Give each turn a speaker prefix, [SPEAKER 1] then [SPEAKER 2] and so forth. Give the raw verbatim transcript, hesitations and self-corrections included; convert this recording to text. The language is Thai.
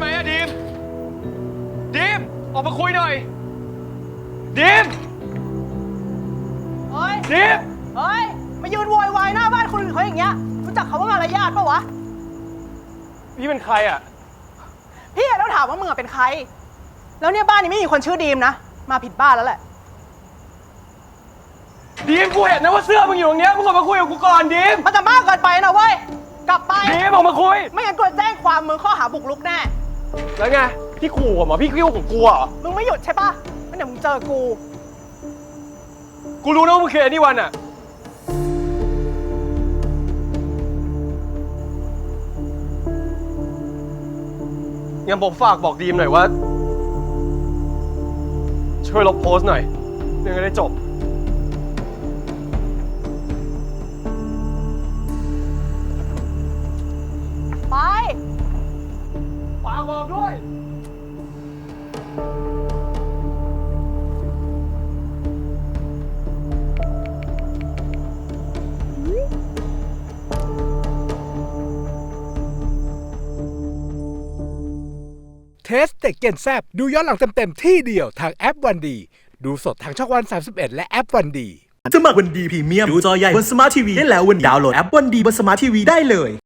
[SPEAKER 1] ไหมอะดีมดีมออกมาคุยหน่อยดีม
[SPEAKER 2] เฮ้ย
[SPEAKER 1] ดีม
[SPEAKER 2] เฮ้ย มายืนโวยวายหน้าบ้านคนอื่นเขาอย่างเงี้ย รู้จักเขาว่ามารยาทปะวะ
[SPEAKER 1] พี่เป็นใครอะ
[SPEAKER 2] พี่แล้วถามว่ามึงอะเป็นใคร แล้วเนี่ยบ้านนี้ไม่มีคนชื่อดีมนะ มาผิดบ้านแล้วแหละ
[SPEAKER 1] ดีมกูเห็นนะว่าเสื้อมึงอยู่ตรงเนี้ยมึงออกมาคุยกับกูก่อนดีม
[SPEAKER 2] มันจะมากเกินไปนะเว้ย กลับไป
[SPEAKER 1] ดีมออกมาคุย
[SPEAKER 2] ไม่งั้นกูจะแจ้งความมึงข้อหาบุกรุกแน่
[SPEAKER 1] แล้วไงพี่ขู่ผมเหรอพี่คิ้วของกูเหรอ
[SPEAKER 2] มึงไม่หยุดใช่ปะงั้นเดี๋ยวมึงเจอกู
[SPEAKER 1] กูรู้นะว่ามึงคือไอ้นี่วันอะงั้นผมฝากบอกดีมหน่อยว่าช่วยลบโพสต์หน่อยเรื่องจะได้จบ
[SPEAKER 2] ไป
[SPEAKER 1] ฝากบอกด้วย
[SPEAKER 3] เทสเต็กเกนแซบดูย้อนหลังเต็มๆที่เดียวทางแอปวันดีดูสดทางช่องวันสามสิบเอ็ดและแอปวันดี
[SPEAKER 4] สมัครวันดีพรีเมียมดูจอใหญ่บนสมาร์ททีวีได้แล้ววันนี้ดาวน์โหลดแอปวันดีบนสมาร์ททีวีได้เลย